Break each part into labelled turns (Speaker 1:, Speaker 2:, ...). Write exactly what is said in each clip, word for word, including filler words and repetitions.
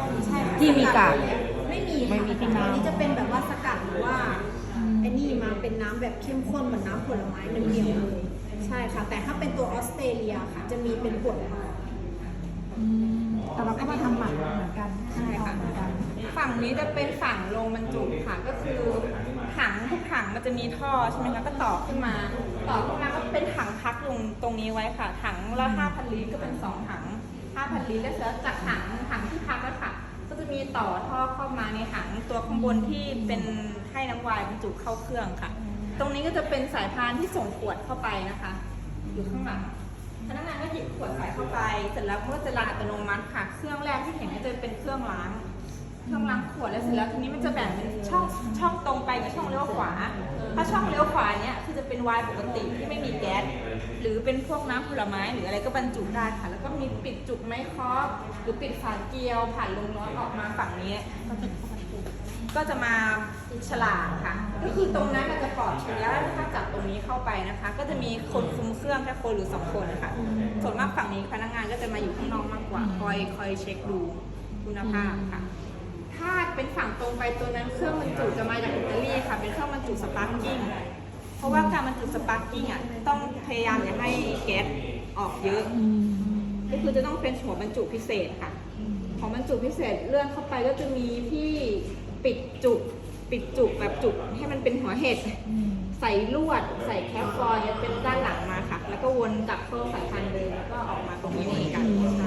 Speaker 1: ใช่
Speaker 2: ที่มีกาก
Speaker 1: ไม่มี
Speaker 2: ไม่มีที่น้ำ
Speaker 1: อันนี้จะเป็นแบบว่าสกัดหรือว่าไอ้นี่มาเป็นน้ำแบบเข้มข้นเหมือนน้ำผลไม้เดียวๆเลยใช่ค่ะแต่ถ้าเป็นตัวออสเตรเลียค่ะจะมีเป็นขวดมา
Speaker 3: แต่เราก็มาทำหมันเหมือนกัน
Speaker 4: ใช่ค่ะ
Speaker 3: เหมือนกัน
Speaker 4: ฝั่งนี้จะเป็นฝั่งโรงบรรจุค่ะก็คือถังทุกถังมันจะมีท่อใช่ไหมคะก็ต่อขึ้นมา ต่อขึ้นมาก็เป็นถังพักลงตรงนี้ไว้ค่ะ ถังละห้าพันลิตรก็เป็นสองถังห้าพันลิตรแล้วเสร็จจากถังถังที่พักแล้วค่ะ ก็จะมีต่อท่อเข้ามาในถังตัวข้างบนที่เป็นให้น้ำวายบรรจุเข้าเครื่องค่ะ ตรงนี้ก็จะเป็นสายพานที่ส่งขวดเข้าไปนะคะ อยู่ข้างหลังพนักงานก็หยิบขวดใส่เข้าไปเสร็จแล้วเมื่อจะล้างอัตโนมัติค่ะ เครื่องแรกที่เห็นก็จะเป็นเครื่องล้าง เครื่องล้างขวดแล้วเสร็จแล้วทีนี้มันจะแบ่งเป็นช่องช่องตรงไปกับช่องเลี้ยวขวา ถ้าช่องเลี้ยวขวาเนี้ยคือจะเป็นไวน์ปกติที่ไม่มีแก๊สหรือเป็นพวกน้ำผลไม้หรืออะไรก็บรรจุได้ค่ะ แล้วก็มีปิดจุกไม้เคาะหรือปิดฝาเกลียวผ่านลมร้อนออกมาฝั่งนี้ก็จะก็จะมาฉลากค่ะ ก็คือตรงนั้นมันจะปลอดเชื้อถ้าจับตรงนี้เข้าไปนะคะ ก็จะมีคนคุมเครื่องแค่คนหรือสองคนนะคะส่วนมากฝั่งนี้พนักงานก็จะมาอยู่ข้างนอกมากกว่าคอยคอยเช็คดูคุณภาพค่ะ ถ้าเป็นฝั่งตรงไปตัวนั้นเครื่องบรรจุจะมาจากอิตาลีค่ะ เป็นเครื่องบรรจุสปาร์กิ้งเพราะว่าการบรรจุสปาร์กิ้งอ่ะต้องพยายามอย่าให้แก๊สออกเยอะ ก็คือจะต้องเป็นหัวบรรจุพิเศษค่ะ ของบรรจุพิเศษเลื่อนเข้าไปก็จะมีที่ปิดจุกปิดจุกแบบจุกให้มันเป็นหัวเห็ดใส่ลวดใส่แคปฟอยล์เป็นด้านหลังมาค่ะ แล้วก็วนกลับเข้าสายพันธุ์เดิมแล้วก็ออกมาตรงนี้เหมือนกันใช่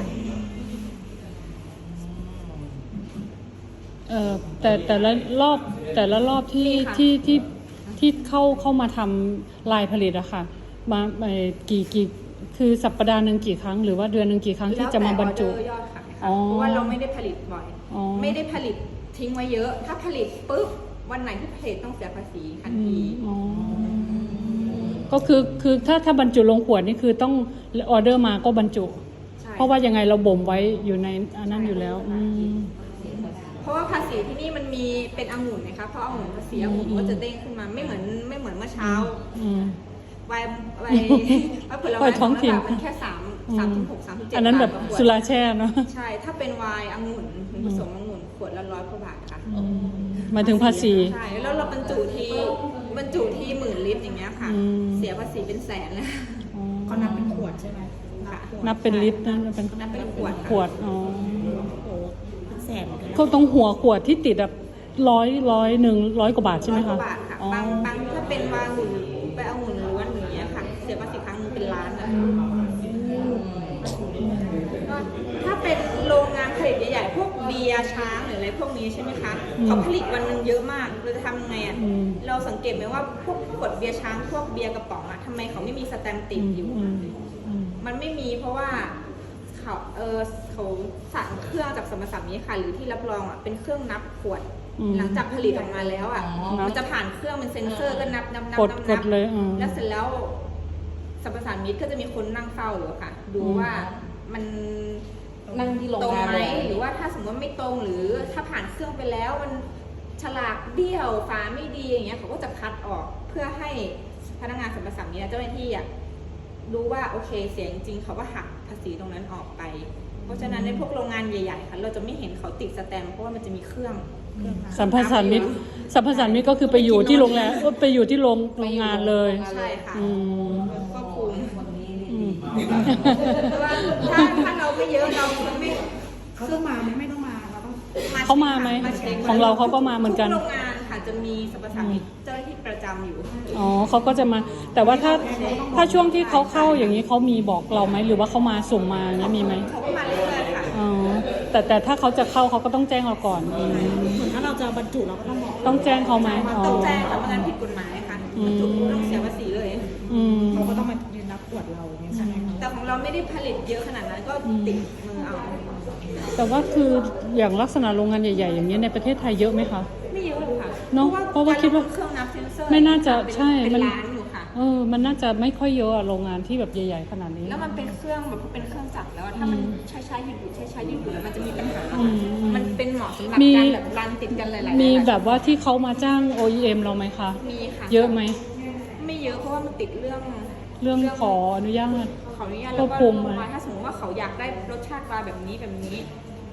Speaker 5: เอ่อแต่แต่ละรอบแต่ละรอบที่
Speaker 4: มีค่ะ
Speaker 5: ที่ที่ที่เข้าเข้ามาทำลายผลิตอะค่ะมาเอ่อกี่กี่คือสัปดาห์หนึ่งกี่ครั้งหรือว่าเดือนหนึ่งกี่ครั้งที่จะมาบรรจุ
Speaker 4: แล้วแต่ออเดอร์ยอดขายค่ะ
Speaker 5: อ๋อ
Speaker 4: เพราะว่าเราไม่ได้ผลิตบ่อย
Speaker 5: อ๋อ
Speaker 4: ไม่ได้ผลิตทิ้งไว้เยอะ ถ้าผลิตปุ๊บวันไหนที่ผลิตต้องเสียภาษีทัน
Speaker 5: อื
Speaker 4: ที
Speaker 5: มอ๋อก็คือคือถ้าถ้าบรรจุลงขวดนี่คือต้องออเดอร์มาก็บรรจุ
Speaker 4: ใช่
Speaker 5: เพราะว่ายังไงเราบ่มไว้อยู่ในอันนั้นอยู่แล้วอืม
Speaker 4: เพราะว่าภาษีที่นี่มันมีเป็นองุ่นนะคะเพราะองุ่นภาษีองุ่นก็จะเด้งขึ้นมาไม่เหมือนไม่เหมือนเมื่อเช้า
Speaker 5: อืม
Speaker 4: ไวน์ไวน์ไวน์ผล
Speaker 5: ไว
Speaker 4: ไม้
Speaker 5: น์ท้องถิ่น
Speaker 4: มันแค่สามสามถึงหกสามถึงเจ็ด
Speaker 5: อันนั้นแบบ
Speaker 4: าทต่ขวด
Speaker 5: สุราแช่เนาะ
Speaker 4: ใช่ ถ้าเป็นไวน์องุ่นผสมองุ่นขวดละร้อยกว่าบาทค่ะ
Speaker 5: หมายถึงภาษี
Speaker 4: ใช่แล้วเราบรรจุทีบรรจุทีหมื่นลิตรอย่างเงี้ยค่ะ
Speaker 5: อืม
Speaker 4: เสียภาษีเป็นแสนเลย
Speaker 5: อ๋อ
Speaker 3: เขานับเป็นขวดใช่ไหม
Speaker 4: ค่ะ
Speaker 5: นับเป็นลิตรนะเป็น
Speaker 4: นับเป็นขวดค่ะ
Speaker 5: ขวดอ๋อ
Speaker 3: โอ้เป็นแสนเหมือนกันนะ
Speaker 5: เขาตรงหัวขวดที่ติดอะร้อยร้อยหนึ่งร้อยกว่าบาทใช่ไหม
Speaker 4: ร้อยก
Speaker 5: คะ
Speaker 4: ว่าบาทค่ะ
Speaker 5: อ๋อบ
Speaker 4: างบางถ้าเป็นวาองุ่นไปองุ่นล้วนอย่างเงี้ยค่ะ เสียภาษีครั้งนึงเป็นล้านเลยก็ถ้าเป็นโรงงานผลิตใหญ่ๆพวกเบียร์ช้างหรืออะไรพวกนี้ใช่ไหมคะเขาผลิตวันหนึงเยอะมากเราจะทำยังไงอ่ะเราสังเกตไหมว่าพวกขวดเบียร์ช้างพวกเบียร์กระป๋องอ่ะทำไมเขาไม่มีสแตมป์ติดอยู่
Speaker 5: อืมอืม
Speaker 4: มันไม่มีเพราะว่าเขาเออเขาสั่งเครื่องจากสมรสัมนี้ค่ะ หรือที่รับรองอ่ะเป็นเครื่องนับขวด
Speaker 5: อืม
Speaker 4: หลังจากผลิตออกมาแล้วอ่ะ
Speaker 5: นับ
Speaker 4: มันจะผ่านเครื่องเป็นเซ็นเซอร์ก็นับนับนับ
Speaker 5: กด
Speaker 4: นับ
Speaker 5: กดเลยอืม
Speaker 4: แล้วเสร็จแล้วสมรสัมมิตก็จะมีคนนั่งเฝ้าอยู่ค่ะ ดู
Speaker 5: อืม
Speaker 4: ว่ามัน
Speaker 2: นั่งที่โรง
Speaker 4: ตรง
Speaker 2: งาน
Speaker 4: ไหม
Speaker 2: เลย
Speaker 4: หรือว่าถ้าสมมติว่าไม่ตรงหรือถ้าผ่านเครื่องไปแล้วมันฉลากเบี้ยวฝาไม่ดีอย่างเงี้ยเขาก็จะคัดออกเพื่อให้พนักงานสรรพสามิตเจ้าหน้าที่อ่ะรู้ว่าโอเคเสียจริงๆเขาก็หักภาษีตรงนั้นออกไป เพราะฉะนั้นในพวกโรงงานใหญ่ๆค่ะเราจะไม่เห็นเขาติดสแตมป์เพราะว่ามันจะมีเครื่อง
Speaker 5: สัมภาษามิตรสัมภาษามิตรก็คือไปอยู่ที่โรงแรมไปอยู่ที่โรงโรงงานเลย
Speaker 4: ใช่ค่ะ
Speaker 5: อืม
Speaker 4: ก็คุม
Speaker 5: อืม
Speaker 4: เพราะว่าถ้าถ้าเราไม่เยอะเราไม่
Speaker 3: เขาต้องมาไหมไม่ต้องมาเราต้อง
Speaker 5: เขามาไหม
Speaker 4: ช็ค
Speaker 5: ของเราเขาก็มาเหมือนกัน
Speaker 4: ทุโรงงานค่ะจะมีสรรพสามิตเจ้าหน้าที่ประจำอยู่
Speaker 5: อ๋อเขาก็จะมา แต่ว่าถ้าถ้าช่วงที่เขาเข้าอย่างนี้เขามีบอกเราไหมหรือว่าเขามาส่งมาอย่างเงี้ยมีไหม
Speaker 4: เขาก็มาเรื่อยๆค่ะ
Speaker 5: อ๋อแต่แต่ถ้าเขาจะเข้าเขาก็ต้องแจ้งเราก่อนอืม
Speaker 3: เหมือนถ้าเราจะบรรจุเราก็ต้องบอก
Speaker 5: ต้องแจ้งเขาไหมอ๋อ
Speaker 4: ต้องแจ้งค่ะเพราะงั้นผิดกฎหมายค่ะ
Speaker 5: อืม
Speaker 4: จุดต้องเสียภาษีเลย
Speaker 5: อืม
Speaker 3: เขาก็ต้องมายืนนับขวดเราอย่างเงี้ยใช่ไหมคะ
Speaker 4: แต่ของเราไม่ได้ผลิตเยอะขนาดนั้นก็ติดมือเอา
Speaker 5: แต่ว่าคืออย่างลักษณะโรงงานใหญ่ๆ อย่างนี้ยในประเทศไทยเยอะไหมคะ
Speaker 4: ไม่เยอะหรอกค่ะ
Speaker 5: เนอะเพราะว่าคิดว่า
Speaker 4: เครื่องนับเซนเซอร์
Speaker 5: ไม่น่าจะ
Speaker 4: เป็น
Speaker 5: ใช่
Speaker 4: เป็น
Speaker 5: มัน
Speaker 4: ล้านอยู่ค่ะ
Speaker 5: เออมันน่าจะไม่ค่อยเยอะอะโรงงานที่แบบใหญ่ๆขนาดนี้
Speaker 4: แล้วมันเป็นเครื่องแบบเป็นเครื่องจักรแล้วอะถ้ามันใช้ใช้หยุดหยุดใช้ใช้หยุดหยุดแล้วมันจะมีปัญหา
Speaker 5: อืมอืม
Speaker 4: มันเป็นเหมาะสำหรับ
Speaker 5: มี
Speaker 4: การแบบรันติดกันหลายๆ
Speaker 5: มี
Speaker 4: หลายๆ
Speaker 5: แบบว่าที่เขามาจ้าง โอ อี เอ็ม เราไหมคะ
Speaker 4: มีค่ะ
Speaker 5: เยอะไหม
Speaker 4: ไม่เยอะเพราะว่ามันติดเรื่อง
Speaker 5: เรื่องขออนุญาต
Speaker 4: ขออนุญาต
Speaker 5: คว
Speaker 4: แล้ว
Speaker 5: บ
Speaker 4: ก็
Speaker 5: คุม
Speaker 4: เรื่อง
Speaker 5: ไหม
Speaker 4: ว่าถ้าสมมติว่าเขาอยากได้รสชาติปลาแบบนี้แบบนี้ ค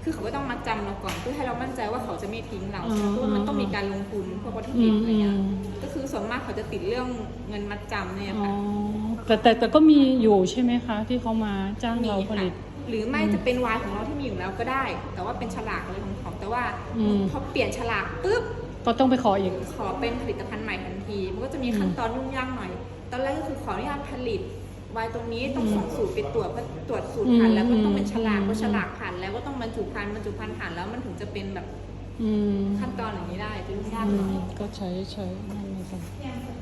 Speaker 4: คือเขาก็ต้องมาจำเราก่อนเพื่อให้เรามั่นใจว่าเขาจะไม่ทิ้งเรา
Speaker 5: อ๋อ
Speaker 4: เพราะว่ามันต้องมีการลงทุนพวกวัตถุ
Speaker 5: อื
Speaker 4: ดิบ
Speaker 5: ม
Speaker 4: อะไร
Speaker 5: อื
Speaker 4: เงี้ย
Speaker 5: ม
Speaker 4: ก็คือส่วนมากเขาจะติดเรื่องเงินมัดจำเนี่ย
Speaker 5: อ๋อ
Speaker 4: ค่ะ
Speaker 5: แต่แต่แต่ก็มีอยู่ใช่ไหมคะ ที่เขามาจ้าง
Speaker 4: มี
Speaker 5: เราผ
Speaker 4: ค่ะ
Speaker 5: ลิต
Speaker 4: หรือไม่จะเป็นไวน์ของเราที่มีอยู่แล้วก็ได้ แต่ว่าเป็นฉลากอะไรของเขาแต่ว่า
Speaker 5: อืม
Speaker 4: พอเปลี่ยนฉลากปุ๊บ
Speaker 5: ก็ต้องไปขออีก
Speaker 4: ขอเป็นผลิตภัณฑ์ใหม่ทันที มันก็จะมีขั้นตอนยุ่งยากหน่อย ตอนแรกก็คือขออนุญาตผลิตไวน์ตรงนี้ต้องส่งสูตรไปตรวจเพราะตรวจสูตรผ่านแล้วก็ต้องเป็นฉลาก
Speaker 5: อืม
Speaker 4: เพราะฉลากผ่านแล้วก็ต้องบรรจุภัณฑ์บรรจุภัณฑ์ผ่านแล้วมันถึงจะเป็นแบบ
Speaker 5: อืม
Speaker 4: ขั้นตอนอย่างนี้ได้จะยุ่งยาก
Speaker 5: อื
Speaker 4: หน่
Speaker 5: ม
Speaker 4: อย
Speaker 5: ก็ใช้ใช้นั่นเลยค่ะ